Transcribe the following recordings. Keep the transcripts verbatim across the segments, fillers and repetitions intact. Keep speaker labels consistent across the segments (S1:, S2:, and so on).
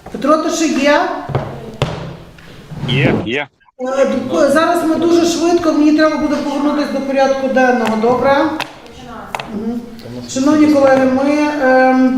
S1: Петро, ти ще є?
S2: Є, є.
S1: Е, Зараз ми дуже швидко, мені треба буде повернутися до порядку денного, добре? Угу. Шановні колеги, ми е,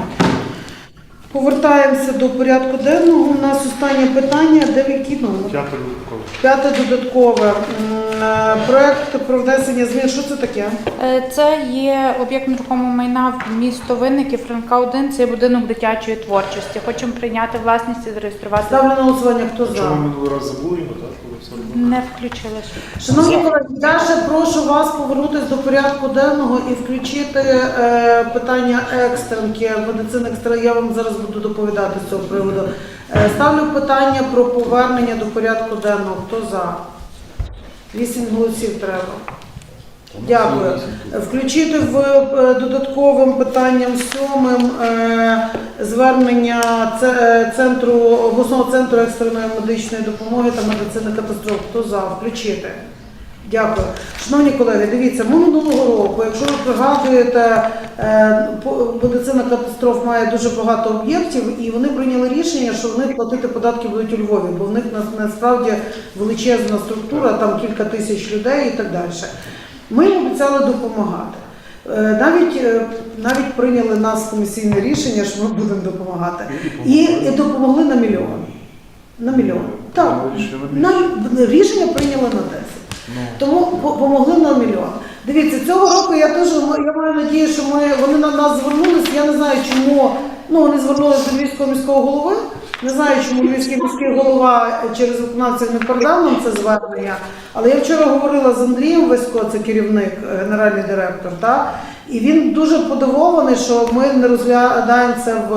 S1: повертаємося до порядку денного. У нас останнє питання, де який номер?
S3: П'яте додаткове.
S1: П'яте додаткове. М, е, Проект про внесення змін. Що це таке?
S4: Е, Це є об'єкт нерухомого майна в місто Винники, Франка один, це є будинок дитячої творчості. Хочемо прийняти власність і зареєструвати.
S1: Ставлю на голосування, хто
S3: Чому ми
S1: за?
S3: минулий раз забули його, так? Коли все робили?
S4: Не включили.
S1: Шановні колеги, я ще прошу вас повернутися до порядку денного і включити е, питання екстренки, медицини екстра. Я вам зараз буду доповідати з цього приводу. Е, ставлю питання про повернення до порядку денного. Хто за? Вісім голосів треба. Дякую. Включити в е, додатковим питанням сьомим е, звернення це- е, центру обласного центру екстреної медичної допомоги та медицини катастроф. Хто за? Включити. Дякую. Шановні колеги, дивіться, ми минулого року, якщо ви пригадуєте, е, по- медицина катастроф має дуже багато об'єктів, і вони прийняли рішення, що вони платити податки будуть у Львові, бо в них на- насправді величезна структура, там кілька тисяч людей і так далі. Ми їм обіцяли допомагати. Е, Навіть, е, навіть прийняли нас комісійне рішення, що ми будемо допомагати. І, і допомогли на мільйон. На мільйон. Так, на, рішення прийняли на десять. Тому по- помогли на мільйон. Дивіться, цього року я теж я маю надію, що ми вони на нас звернулися. Я не знаю, чому ну вони звернулися до Львівського міського голови. Не знаю, чому Львівський міський голова через виконавців не передав нам це звернення. Але я вчора говорила з Андрієм Васько, це керівник, генеральний директор, та і він дуже подивований, що ми не розглядаємо це в,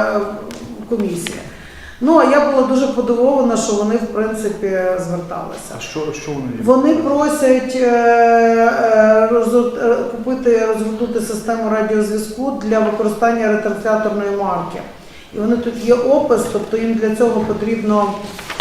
S1: в комісії. Ну, а я була дуже подивована, що вони, в принципі, зверталися.
S3: А що, що вони є?
S1: Вони просять е, е, розгорт- е, купити, розгорнути систему радіозв'язку для використання ретрансляторної марки. І вони тут є опис, тобто їм для цього потрібно,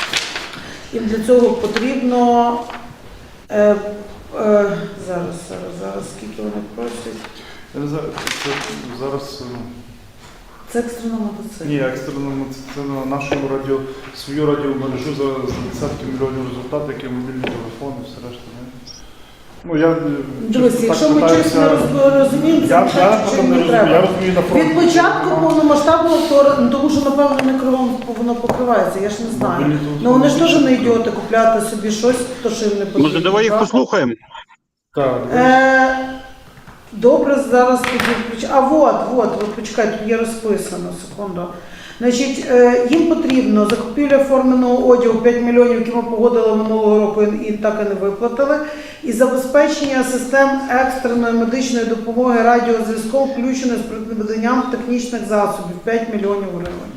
S1: їм для цього потрібно, е, е, зараз, зараз, зараз, скільки вони просять?
S3: Я не знаю, це зараз ну,
S1: Це екстрена медицина.
S3: ні, екстрено медицина, нашу радіо, свою радіомережу за, за десятки мільйонів результатів, які мобільні телефони, все решта. Не? Ну, я,
S1: Дивись,
S3: чесно,
S1: якщо
S3: так
S1: ми
S3: питаюся-
S1: чесно роз- розуміємо,
S3: Я,
S1: це
S3: я,
S1: чим
S3: не
S1: не
S3: розумію,
S1: треба.
S3: я розумію на фронті.
S1: Від початку повномасштабного вторгнення, тому що, напевно, не кровом воно покривається, я ж не знаю.
S3: Мобільні телефони
S1: Ну вони ж теж не
S3: більше
S1: ідіоти купляти собі щось, то що їм не потрібно.
S2: Може, давай їх
S1: так?
S2: послухаємо.
S3: Так,
S1: Е, Добре, зараз тоді включу. А от, от, от, почекай, тут є розписано, секунду. Значить, е, їм потрібно закупівля форменого одягу п'ять мільйонів, які ми погодили минулого року і, і так і не виплатили, і забезпечення систем екстреної медичної допомоги радіозв'язком, включено з придбанням технічних засобів п'ять мільйонів гривень.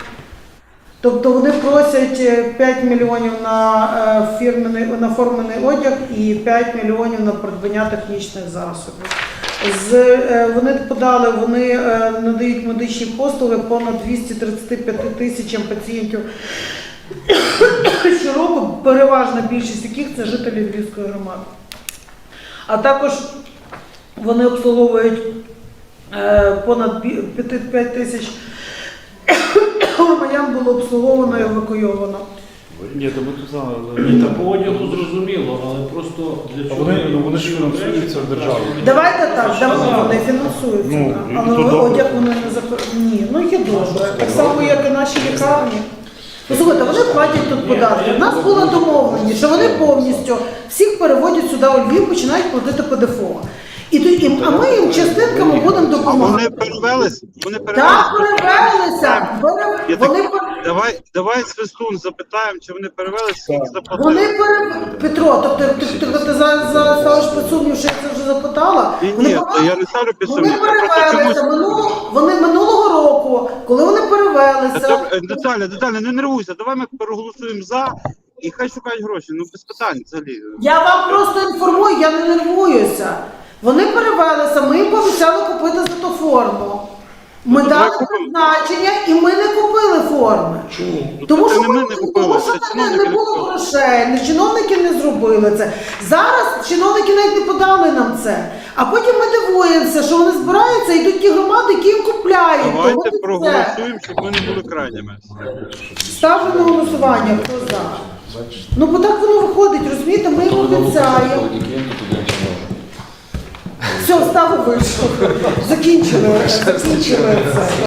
S1: Тобто вони просять п'ять мільйонів на, е, фірменний, на формений одяг і п'ять мільйонів на придбання технічних засобів. З, е, вони подали, вони е, надають медичні послуги понад двісті тридцять п'ять тисячам пацієнтів щороку, переважна більшість яких це жителі Львівської громади. А також вони обслуговують е, понад п'ять тисяч громадян було обслуговано і евакуйовано.
S3: ні, то ми тут знали.
S5: Ні, та по одягу зрозуміло, але просто для
S3: А
S5: чого?
S3: вони, ну, вони ж фінансуються державою.
S1: Давайте так, давайте, вони фінансуються,
S3: Ну,
S1: так.
S3: і
S1: але
S3: то добре.
S1: одяг вони не запро... Ні, ну є добре. Так само, як і наші лікарні. Послухайте, вони платять тут податки. У нас було домовлені, що вони повністю всіх переводять сюди у Львів, починають платити ПДФО. І, то- і, а ми їм частинками будемо
S2: А вони
S1: допомагати.
S2: перевелись? Вони перевелись?
S1: Так, перевелися. Пере-
S2: Я
S1: Вони
S2: так-
S1: пере-
S2: Давай, давай Свистун запитаємо, чи вони перевелись, скільки заплатили.
S1: Вони пере... Петро, тобто ти, ти, ти, ти зараз за- ставиш під сумнів, що я це вже запитала.
S2: Ні,
S1: Вони
S2: ні,
S1: повинні-
S2: я не ставлю під
S1: Вони
S2: сумнів. Я просто
S1: перевелися,
S2: чомусь-
S1: минулого, вони минулого року, коли вони
S2: Та
S1: перевелися,
S2: добре, е, Детально, детально, не нервуйся, давай ми переголосуємо за і хай шукають гроші, ну без питань взагалі.
S1: я вам просто інформую, я не нервуюся. Вони перевелися, ми їм пообіцяли купити за ту форму. Ми
S2: Ну,
S1: дали
S2: давай купимо.
S1: призначення і ми не купили форми.
S6: Чому?
S1: Тому
S2: Це
S1: що,
S2: не ми не
S1: тому
S2: купили,
S1: що
S2: це
S1: це
S2: чиновники
S1: не
S2: не
S1: було
S2: купили.
S1: грошей, не чиновники не зробили це. Зараз чиновники навіть не подали нам це. А потім ми дивуємося, що вони збираються, йдуть ті громади, які їм купляють. Тому
S2: Давайте
S1: це.
S2: проголосуємо, щоб ми не були крайніми.
S1: Ставлю на голосування, хто за. Ну бо так воно виходить, розумієте, ми їм обіцяємо. Все, стави вийшов. Закінчили, закінчили це.